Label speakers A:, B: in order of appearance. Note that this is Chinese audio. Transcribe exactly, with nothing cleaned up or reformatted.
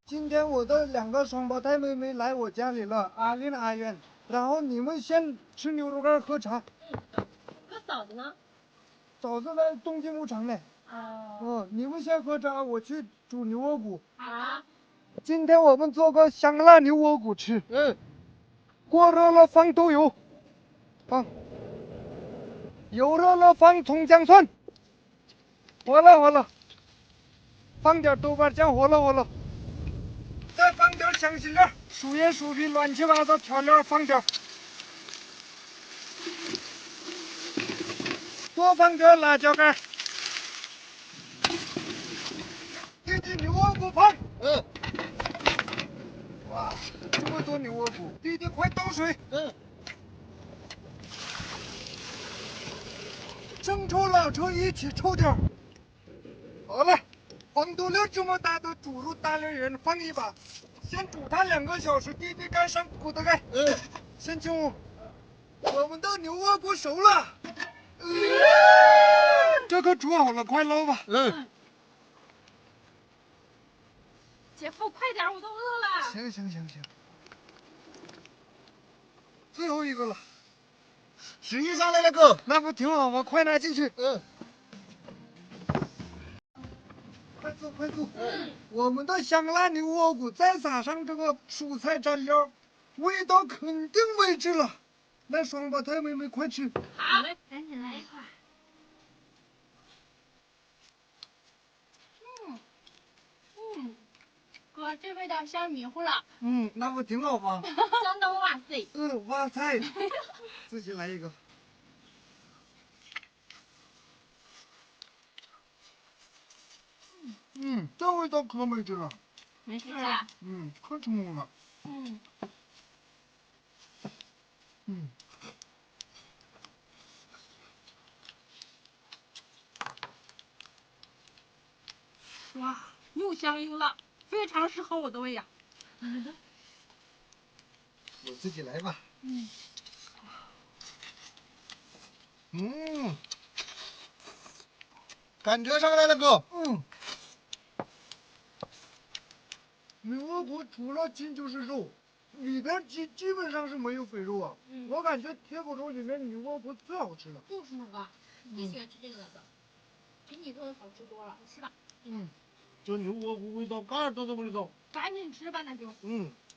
A: 今天我的两个双胞胎妹妹来我家里了，阿丽阿渊。然后你们先吃牛肉干喝茶。
B: 嗯。那嫂子呢？
A: 嫂子在东京牧场呢。
B: 哦。
A: 嗯，你们先喝茶，我去煮牛窝骨。
B: 好。
A: 今天我们做个香辣牛窝骨吃。嗯。锅热了放豆油，放。油热了放葱姜蒜。火了火了。放点豆瓣酱，火了火了。再放点香辛料、薯叶、薯皮，乱七八糟调料放点。多放点辣椒干。弟弟牛窝骨放。嗯。哇，这么多牛窝骨，弟弟快倒水。嗯。生抽、老抽一起抽点。好了，黄豆粒这么大的猪肉大连人放一把，先煮它两个小时，弟弟盖上骨头盖。嗯。先请我们的牛窝骨熟了。嗯。这可煮好了，快捞吧。嗯。
B: 姐夫，快点，我都饿了。
A: 行行行行。最后一个了。食欲上来了，哥。那不挺好吗？快拿进去。嗯。快坐快坐。嗯。我们的香辣牛窝骨再撒上这个蔬菜蘸料，味道肯定没治了。来，双胞胎妹妹快吃。
B: 好嘞，赶紧来一块。嗯嗯，哥，这味道香迷糊了。
A: 嗯，那不挺好吗？
B: 香到哇塞。
A: 嗯，哇塞。自己来一个。嗯，这味道可没治了。
B: 没事啊。
A: 嗯，可成功了。
B: 嗯。
A: 嗯。
B: 哇，又香又辣，非常适合我的胃呀。
A: 我自己来吧。
B: 嗯。
A: 嗯，感觉上来了，哥。嗯。牛窝骨除了筋就是肉，里边基基本上是没有肥肉啊。嗯。我感觉铁骨肉里面牛窝骨最好吃了。
B: 就是那个，你喜欢吃这个的，比你做的好吃多了，你吃吧。
A: 嗯，这牛窝骨味道嘎儿都这么知道。
B: 赶紧吃吧，那就。
A: 嗯。